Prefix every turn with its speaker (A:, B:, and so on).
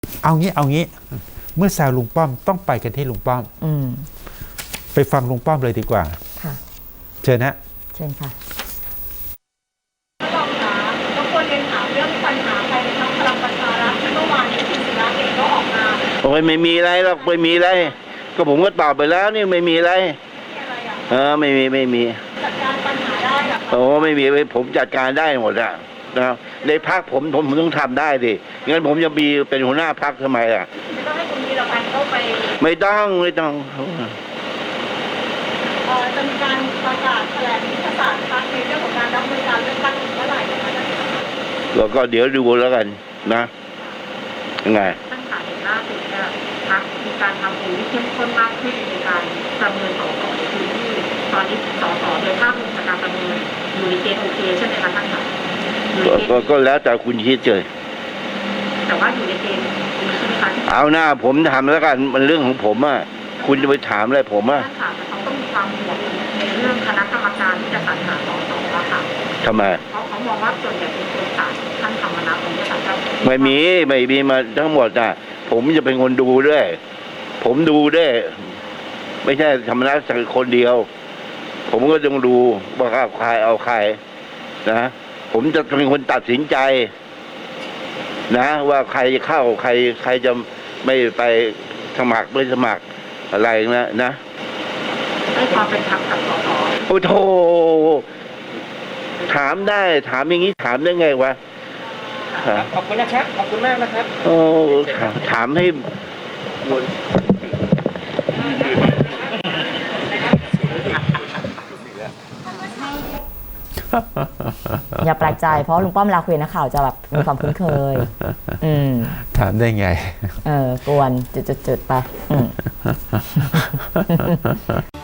A: เอางี้เมื่อแซวลุงป้อมต้องไปกันที่ลุงป้อมไปฟังลุงป้อมเลยดีกว่า
B: ค่ะ
A: เชิญนะ
B: เชิญค่ะ
C: รองคะก็ควรเรียนถามเรื่องปัญหาภายในพรรคพลังประชารัฐที่เมื่อวานนี้คุณศิระเองก็ออกมา
D: โอ้ยไม่มีอะไรหรอกไม่มีอะไรก็ผมก็ตอบไปแล้วนี่ไม่มีอะไรไม่มี
C: จัดการปัญหาได้หรอ
D: โอ้ไม่มีผมจัดการได้หมดอะนะครับในพรรคผมต้องทำได้ดิงั้นผมจะมีเป็นหัวหน้าพรรคทำไมอะ
C: ไม่ต้องให้คุณวีรพันธ์เข้าไป
D: ไม่ต้อง
C: จะมีการประกาศแถลงยุทธศาสตร์พรรคในเรื่องของการรับมือการเลือกตั้งเมื่อไหร่นะคะ
D: ก็เดี๋ยวดูแล้วกันนะยังไง
C: ตั้งแต่เห็นล่าสุดเนี่ยพรรคมีการทำโอที่เข้มข้นมากขึ้นในการประเมินส.ส.ในพื้นที่ตอนนี้ส.ส.โดยภาพรวมจากการประเมินอยู่ในเกณฑ์โอเคใช่ไหมคะท่านคะ
D: ก็แล้วแต่คุณคิดเลย
C: แต่ว่าอยู่ในเกณฑ์ใช่ไหมคะ
D: เอาหน้าผมทำแล้วกันมันเรื่องของผมอ่ะคุณจะไปถามอะไรผมอ่ะ
C: ค่ะแต่เขาต้องมีความห่วงในเรื่องคณะกรรมการที่จะสรรหาส.ส.อะค่ะ
D: ทำไม
C: เพราะเขามองว่าส่วนใหญ่เป็นคนต่างท่านธรรมนัสผมจะสั่งการ
D: ไม่มีมาทั้งหมดอ่ะผมจะเป็นคนดูด้วยผมดูด้วยไม่ใช่ธรรมนัสสักคนเดียวผมก็ต้องดูว่าใครเอาใครนะผมจะเป็นคนตัดสินใจนะว่าใครจะเข้าใครจะไม่ไปสมัครไม่สมัครอะไรนะ
C: ให้ความเป็นธรรมกับส.ส.
D: โอ้โธ่ถามได้ถามอย่างนี้ถามได้ไงวะ
E: ขอบคุณนะครับขอบคุณมากนะครับ
D: โอ้ถามให้
B: อย่าแปลกใจเพราะลุงป้อมเวลาคุยนักข่าวจะแบบมีความคุ้นเคย
A: ถามได้ไง
B: กวนจุดๆไป